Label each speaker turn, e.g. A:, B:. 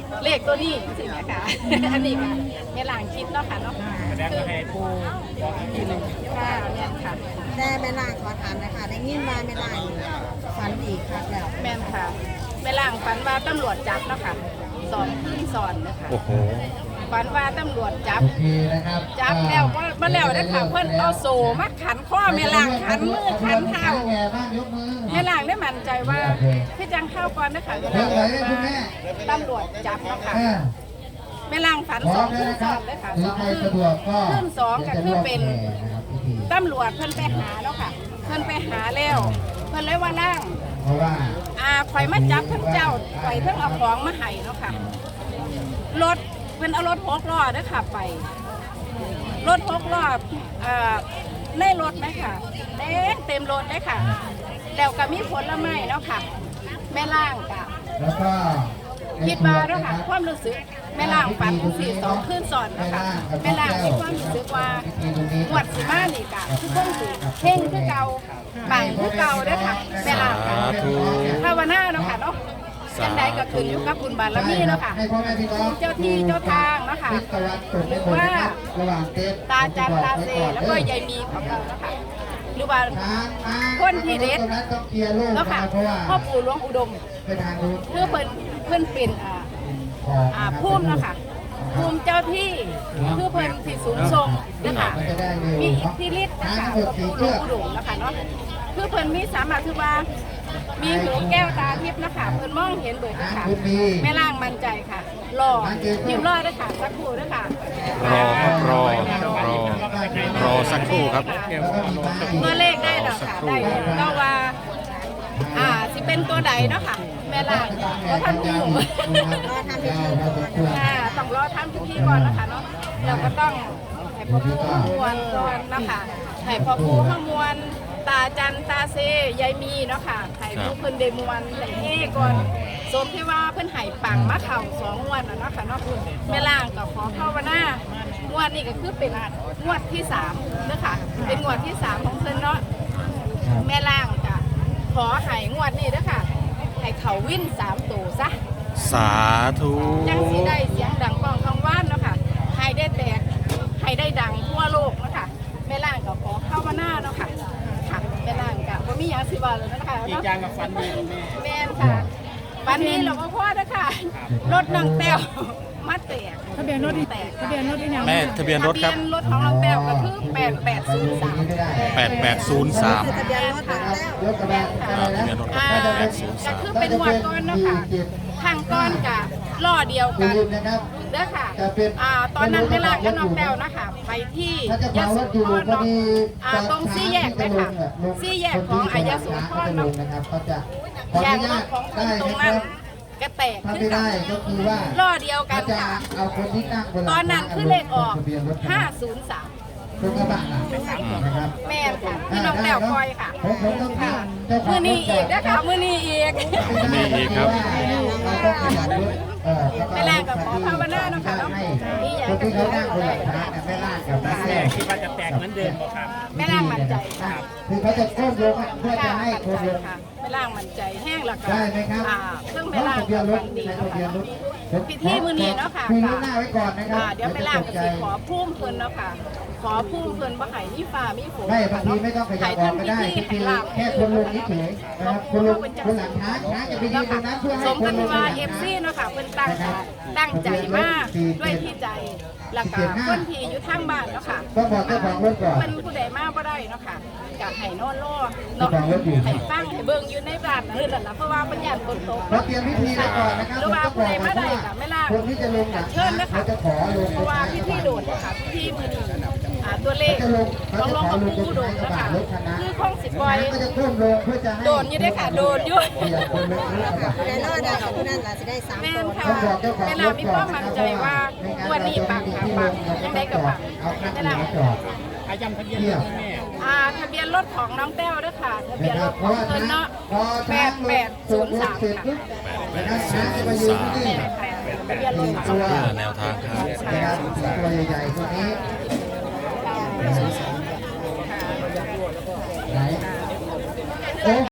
A: เลขตัวนี้สินะคะอันนี้ค่ะแม่ล่างคิดเนาะค่ะเนาะคือให้ผู้ที่หนึ่งค่ะเนี่ยค่ะ
B: แต่แม่ล่างขอถามนะคะได้ยินว่าแม่ล่างฝันดีครับแล้ว
A: แม่นค่ะแม่ล่างฝันว่าตำรวจจับเนาะค่ะสอนขึ้นสอนนะคะ
C: โอ้โห
A: ฝันว่าตำรวจจับ
D: โอเคนะครับ
A: จับแล้วมาแล้วได้ค่ะเพิ่นเอาโซ่มาขันข้อแม่ล่างขันมือขันเท้าแม่ล่างได้มั่นใจว่าพี่จังเข้าก่อนนะคะแม่ล่างตำรวจจับเนาะค่ะแม่ล่างฝันสองขึ้นสองเลยค่ะสองขึ้นสองก็คือเป็นตำรวจเพิ่นไปหาเนาะค่ะเพิ่นไปหาแล้วเพิ่นเลยว่าล่างข่อยมาจับทั้งเจ้าข่อยทั้งเอาของมาให้เนาะค่ะรถเพิ่นเอารถ6 ล้อเด้อค่ะไปรถ6 ล้อในรถไหมค่ะเต็มรถเลยค่ะแล้วก็มีผลไม้เนาะค่ะแม่ล่างกะคิดว่าเนาะค่ะความรู้สึกแม่ล่างฝัน42คืนซ้อนเนาะค่ะแม่ล่างมีความรู้สึกว่าหวดสิมานี่กะคือคงสิเพ่งคือเก่าปังคือเก่าเด้อค่ะแม่ล่างค่ะภาวนาเนาะค่ะเนาะจังใดก็ขึ้นอยู่กับบุญบารมีเนาะค่ะเจ้าที่เจ้าทางเนาะค่ะหรือว่าตาจันตาเซแล้วก็ยายมีของเราเนาะค่ะหรือว่าคนที่เด็ดเนาะค่ะพ่อปู่หลวงอุดมคือเพิ่นเป็นภูมิเนาะค่ะภูมิเจ้าที่คือเพิ่นที่สูงทรงนะคะมีอิทธิฤทธิ์นะคะพ่อปู่หลวงอุดมนะคะเนาะคือเพิ่นมีสามารถคือว่ามีหูแก้วตาทิพย์นะคะเพิ่นมองเห็นเบิดค่ะแม่ล่างมั่นใจค่ะรอพิมพ์รอด้วยค่ะสักครู่ด้วยค่ะ
C: รอสักครู่ครับ
A: ตัวเลขได้แล้วค่ะได้ก็ว่าสิเป็นตัวใดเนาะค่ะแม่ล่างก็ทำอยู่ต้องรอทำพิธีก่อนนะคะเนาะเราก็ต้องให้พ่อปู่ขมวลก่อนนะคะให้พ่อปู่ขมวลตาจันตาเซยายมีเนาะค่ะให้ผู้เพิ่นเดมวนให้เฮก่อนสมที่ว่าเพิ่นให้ปังมาเข่า2 งวดเนาะค่ะเนาะแม่ล่างก็ขอภาวนางวดนี้ก็คือเป็นงวดที่3เด้อค่ะเป็นงวดที่3ของเพิ่นเนาะแม่ล่างจ้ะขอให้งวดนี้เด้อค่ะให้เขาวิ่น3 ตัวซะ
C: สาธุ
A: ยังสิได้เสียงดังก้องกังวานเนาะค่ะให้ได้แตกให้ได้ดังทั่วโลกเนาะค่ะแม่ล่างก็ขอภาวนาเนาะค่ะแม่ล่างกะว่ามีอย่างสิว่าเลยนะคะ
E: กี่จางกับฟันดี
A: แม่ค่ะวันนี้เราก็พ่อนะคะรถน้องแต้วมาแตก
B: ทะเบียนรถ
A: แตก
B: ทะเบียนรถที่ยัง
C: แม่ทะเบียนรถครับ
A: ทะเบียนรถของน้องแต้วก็คือ8803
C: 8803
B: ทะเบียนรถของแต้ว
C: ทะเบียนรถ
A: ก็คือเป็นหวดก้อนเนาะค่ะทางก้อนกับล้อเดียวกันเด้อค่ะตอนนั้นเวลากับน้องแต้วนะคะไปที่ยะโสธรเนาะตรง4 แยกเลยค่ะ4 แยกของยะโสธรเนาะแยกรถของคนตรงนั้นก็แตกขึ้นกันล้อเดียวกันค่ะตอนนั้นคือเลขออก503แม่ค่ะพี่น้องแต้วคอยค่ะมือนี้อีกนะคะมือนี้อีก
C: ครับ
A: แม่ล่างกับขอภาวนาเนาะค่ะเนาะนี่อยากจะพูดได้
E: แม่คิดว่าจะแตกเหมือนเดิมครับ
A: แม่ล่างมั่นใจค่ะ
D: คือเขาจะโค้งลงเพื่อจะให้โค้งลง
A: แม่ล่างมั่นใจแห้งแล้วก็
D: ได้ไหมครับ
A: ซึ่งแม่ล่างก็ฟันดีเนาะค่ะพิธีมือนี้เนาะค่ะเดี๋ยวแม่ล่างก็สิขอพุ่มเพิ่นเนาะค่ะขอพุ่มเพิ่นว่าไห่มีฟ้ามีฝน
D: ไม่บางทีไม่ต้องขยับออกก็ได้คือแค่คนลงเฉยๆนะครับคนลงคนหลังช้าจะไปยืนตรงนั้นเพื่อให้คนลง
A: ว่าFCเนาะค่ะเพิ่นตั้งใจมากด้วยที่ใจแล้วก็คนที่อยู่ทางบ้านเนาะค่ะ
D: ก็บอกเจ้าของรถก่อน
A: เป็นผู้ใดมาบ่ได้เนาะค่ะก็ให้นอนรอเนาะให้ฟังให้เบิ่งอยู่ในบ้านนั่นแหละเพราะว่าปัญญาฝนตก
D: เราเตรียมพิธีไว้ก่อนนะครับ
A: หรือว่าผู้ใดมาได้ก็ไม่ล่า
D: คนที่จะลงเชิญนะคะ
A: จะขอลงเพราะว่าพิธีโดดค่ะพิธีมื้อนี้ตัวเลขของหลวงพ่อปู่โดดนะคะคือคงสิปล่อยโดนอยู่ด้วยค่ะโดนอยู่
B: แต่รอดได้กับผู้นั้นเราจะได้3
A: แม่ค่ะแม่ล่ามีความมั่นใจว่าวันนี้ปังค่ะปังยังได้กับปังแม่ล่า
E: อาจำทะเบียนรถแม่
A: ทะเบียนรถของน้องแต้วด้วยค่ะทะเบียนรถของเพิ่นเนาะ8803ค่ะทะเบียนรถ
C: แนวทางครับ
D: ตัวใหญ่ๆตัวนี้ไหน